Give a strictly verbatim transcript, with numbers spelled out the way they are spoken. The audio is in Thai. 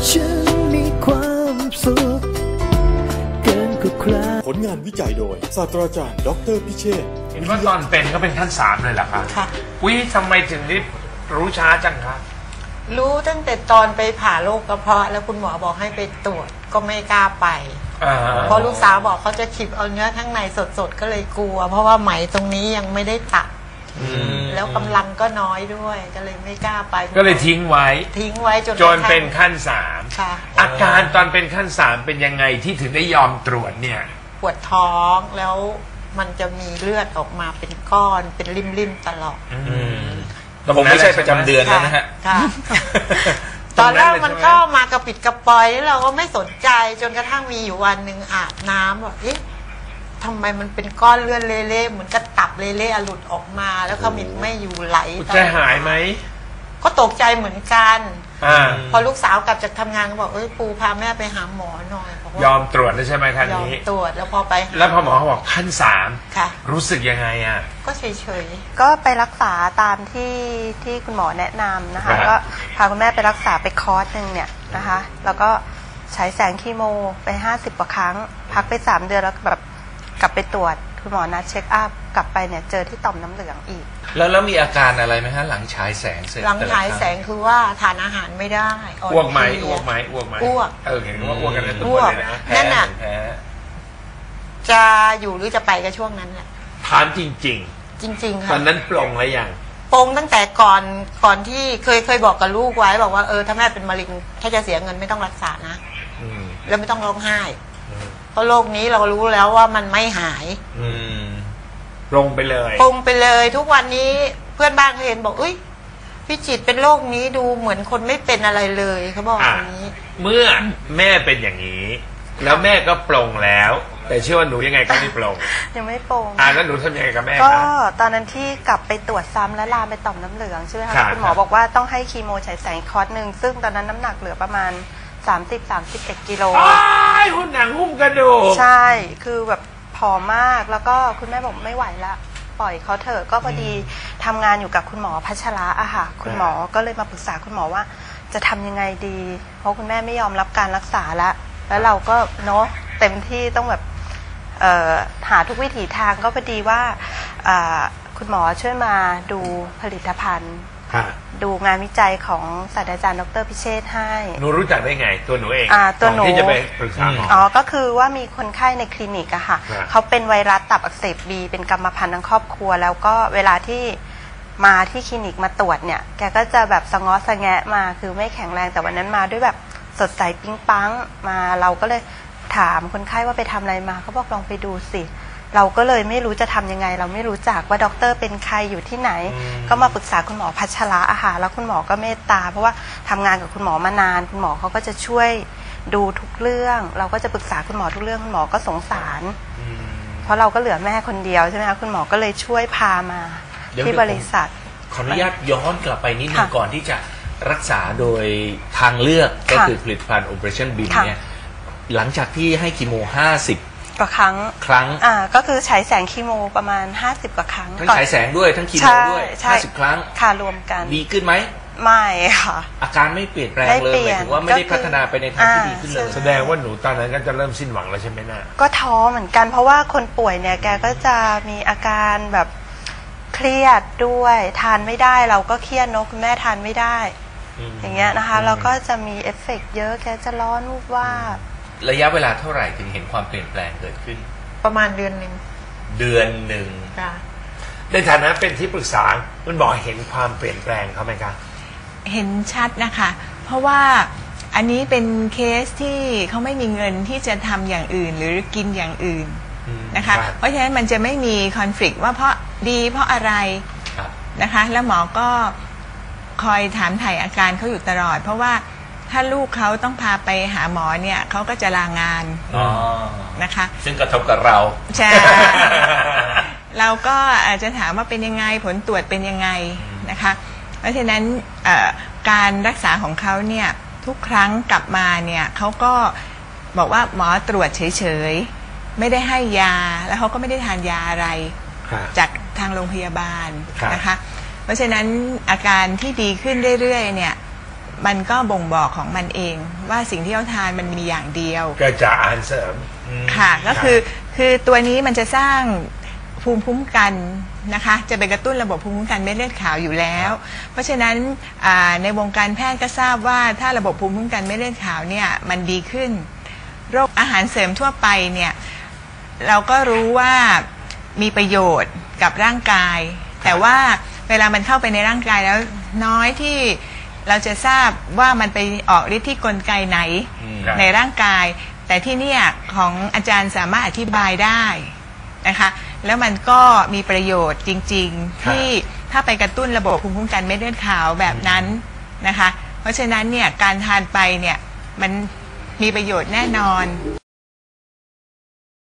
ฉันมีความสุขเกินกว่าใครผลงานวิจัยโดยศาสตราจารย์ดร.พิเชษฐ์เห็นว่าตอนเป็นก็เป็นขั้นสามเลยเหรอคะค่ะวิทำไมถึงได้รู้ช้าจังคะรู้ตั้งแต่ตอนไปผ่าโรคกระเพาะแล้วคุณหมอบอกให้ไปตรวจก็ไม่กล้าไปเพราะลูกสาวบอกเขาจะฉีดเอาเนื้อข้างในสดๆก็เลยกลัวเพราะว่าไหมตรงนี้ยังไม่ได้ตัดแล้วกำลังก็น้อยด้วยก็เลยไม่กล้าไปก็เลยทิ้งไว้ทิ้งไว้จนจนเป็นขั้นสามอาการตอนเป็นขั้นสามเป็นยังไงที่ถึงได้ยอมตรวจเนี่ยปวดท้องแล้วมันจะมีเลือดออกมาเป็นก้อนเป็นริมๆตลอดแต่ผมไม่ใช่ประจำเดือนแล้วนะฮะตอนแรกมันก็มากระปิดกระปอยเราก็ไม่สนใจจนกระทั่งมีอยู่วันหนึ่งอาบน้ำแบบเอ๊ะทำไมมันเป็นก้อนเลือดเละๆเหมือนกระตับเละๆหลุดออกมาแล้วขมิ้นไม่อยู่ไหลใจหายไหมก็ตกใจเหมือนกันพอลูกสาวกลับจากทำงานก็บอกเอ้ยปูพาแม่ไปหาหมอหน่อยยอมตรวจได้ใช่ไหมครั้งนี้ยอมตรวจแล้วพอไปแล้วพอหมอเขาบอกขั้นสามค่ะรู้สึกยังไงอ่ะก็เฉยๆก็ไปรักษาตามที่ที่คุณหมอแนะนำนะคะก็พาคุณแม่ไปรักษาไปคอร์สหนึ่งเนี่ยนะคะแล้วก็ใช้แสงคีโมไปห้าสิบกว่าครั้งพักไปสามเดือนแล้วแบบกลับไปตรวจคุณหมอนัดเช็คอัพกลับไปเนี่ยเจอที่ต่อมน้ำเหลืองอีกแล้วแล้วมีอาการอะไรไหมฮะหลังฉายแสงเสร็จหลังฉายแสงคือว่าทานอาหารไม่ได้อ้วกไหมอ้วกไหมอ้วกไหมอ้วกเออเห็นว่าอ้วกกันทุกคนเลยนะนั่นน่ะจะอยู่หรือจะไปกับช่วงนั้นแหละถามจริงจริงจริงๆค่ะตอนนั้นปลงแล้วยังปลงตั้งแต่ก่อนก่อนที่เคยเคยบอกกับลูกไว้บอกว่าเออถ้าแม่เป็นมะเร็งถ้าจะเสียเงินไม่ต้องรักษานะแล้วไม่ต้องร้องไห้เพราะโรคนี้เรารู้แล้วว่ามันไม่หายปลงไปเลยปลงไปเลยทุกวันนี้เพื่อนบ้านเขาเห็นบอกอุ้ยพี่จิตเป็นโรคนี้ดูเหมือนคนไม่เป็นอะไรเลยเขาบอกอย่างนี้เมื่อแม่เป็นอย่างนี้แล้วแม่ก็ปลงแล้วแต่เชื่อว่าหนูยังไงก็ไม่ปลงยังไม่ปลงอ่าแล้วหนูทำยังไงกับแม่ก็ตอนนั้นที่กลับไปตรวจซ้ำและลามไปต่อมน้ำเหลืองใช่ไหมคะคุณหมอบอกว่าต้องให้คีโมฉายแสงคอร์สหนึ่งซึ่งตอนนั้นน้ำหนักเหลือประมาณสามสิบ สามสิบเอ็ดกิโลไอ้หุ่นหนังหุ้มกระดูกใช่คือแบบผอมมากแล้วก็คุณแม่บอกไม่ไหวละปล่อยเขาเถอะก็พอดีทำงานอยู่กับคุณหมอพัชระอะค่ะคุณหมอก็เลยมาปรึกษาคุณหมอว่าจะทำยังไงดีเพราะคุณแม่ไม่ยอมรับการรักษาละแล้วเราก็เนาะเต็มที่ต้องแบบหาทุกวิถีทางก็พอดีว่าคุณหมอช่วยมาดูผลิตภัณฑ์ดูงานวิจัยของศาสตราจารย์ดร.พิเชษฐ์ให้หนูรู้จักได้ไงตัวหนูเองตัวหนูที่จะไปปรึกษาหมออ๋อก็คือว่ามีคนไข้ในคลินิกอะค่ะเขาเป็นไวรัสตับอักเสบบีเป็นกรรมพันธุ์ทั้งครอบครัวแล้วก็เวลาที่มาที่คลินิกมาตรวจเนี่ยแกก็จะแบบสะง้อสะแงะมาคือไม่แข็งแรงแต่วันนั้นมาด้วยแบบสดใสปิ๊งปังมาเราก็เลยถามคนไข้ว่าไปทำอะไรมาเขาบอกลองไปดูสิเราก็เลยไม่รู้จะทำยังไงเราไม่รู้จักว่าด็อกเตอร์เป็นใครอยู่ที่ไหนก็มาปรึกษาคุณหมอพัชระอาหารแล้วคุณหมอก็เมตตาเพราะว่าทำงานกับคุณหมอมานานคุณหมอเขาก็จะช่วยดูทุกเรื่องเราก็จะปรึกษาคุณหมอทุกเรื่องคุณหมอก็สงสารเพราะเราก็เหลือแม่คนเดียวใช่ไหมคะคุณหมอก็เลยช่วยพามาที่บริษัทขออนุญาตย้อนกลับไปนิดนึงก่อนที่จะรักษาโดยทางเลือกก็คือผลิตภัณฑ์ Operationบี เอ เนี่ยหลังจากที่ให้คีโมห้าสิบกว่าครั้งครั้งอ่าก็คือฉายแสงคีโมประมาณห้าสิบกว่าครั้งทั้งฉายแสงด้วยทั้งคีโมด้วยห้าสิบครั้งค่ะรวมกันดีขึ้นไหมไม่ค่ะอาการไม่เปลี่ยนแปลงเลยหมายถึงว่าไม่ได้พัฒนาไปในทางที่ดีขึ้นเลยแสดงว่าหนูตอนนั้นก็จะเริ่มสิ้นหวังแล้วใช่ไหมน่ะก็ท้อเหมือนกันเพราะว่าคนป่วยเนี่ยแกก็จะมีอาการแบบเครียดด้วยทานไม่ได้เราก็เครียดเนอะคุณแม่ทานไม่ได้อย่างเงี้ยนะคะเราก็จะมีเอฟเฟกต์เยอะแกจะร้อนวูบวาบระยะเวลาเท่าไหร่ถึงเห็นความเปลี่ยนแปลงเกิดขึ้นประมาณเดือนหนึ่งเดือนหนึ่งในฐานะเป็นที่ปรึกษาคุณหมอเห็นความเปลี่ยนแปลงเขาไหมคะเห็นชัดนะคะเพราะว่าอันนี้เป็นเคสที่เขาไม่มีเงินที่จะทำอย่างอื่นหรือกินอย่างอื่นนะคะเพราะฉะนั้นมันจะไม่มีคอนฟ lict ว่าเพราะดีเพราะอะไรนะคะแล้วหมอก็คอยถามถ่ายอาการเขาอยู่ตลอดเพราะว่าถ้าลูกเขาต้องพาไปหาหมอเนี่ยเขาก็จะลางานนะคะซึ่งกระทบกับเราใช่เราก็อาจจะถามว่าเป็นยังไงผลตรวจเป็นยังไงนะคะเพราะฉะนั้นการรักษาของเขาเนี่ยทุกครั้งกลับมาเนี่ยเขาก็บอกว่าหมอตรวจเฉยๆไม่ได้ให้ยาแล้วเขาก็ไม่ได้ทานยาอะไรจากทางโรงพยาบาลนะคะเพราะฉะนั้นอาการที่ดีขึ้นเรื่อยๆเนี่ยมันก็บ่งบอกของมันเองว่าสิ่งที่เขาทานมันมีอย่างเดียวก็จะอาหารเสริมค่ะก็คือคือตัวนี้มันจะสร้างภูมิคุ้มกันนะคะจะไปกระตุ้นระบบภูมิคุ้มกันเม็ดเลือดขาวอยู่แล้วเพราะฉะนั้นในวงการแพทย์ก็ทราบว่าถ้าระบบภูมิคุ้มกันเม็ดเลือดขาวเนี่ยมันดีขึ้นโรคอาหารเสริมทั่วไปเนี่ยเราก็รู้ว่ามีประโยชน์กับร่างกายแต่ว่าเวลามันเข้าไปในร่างกายแล้วน้อยที่เราจะทราบว่ามันไปออกฤทธิ์ที่กลไกไหนในร่างกายแต่ที่เนี่ยของอาจารย์สามารถอธิบายได้นะคะแล้วมันก็มีประโยชน์จริงๆที่ถ้าไปกระตุ้นระบบภูมิคุ้มกันเม็ดเลือดขาวแบบนั้นนะคะเพราะฉะนั้นเนี่ยการทานไปเนี่ยมันมีประโยชน์แน่นอน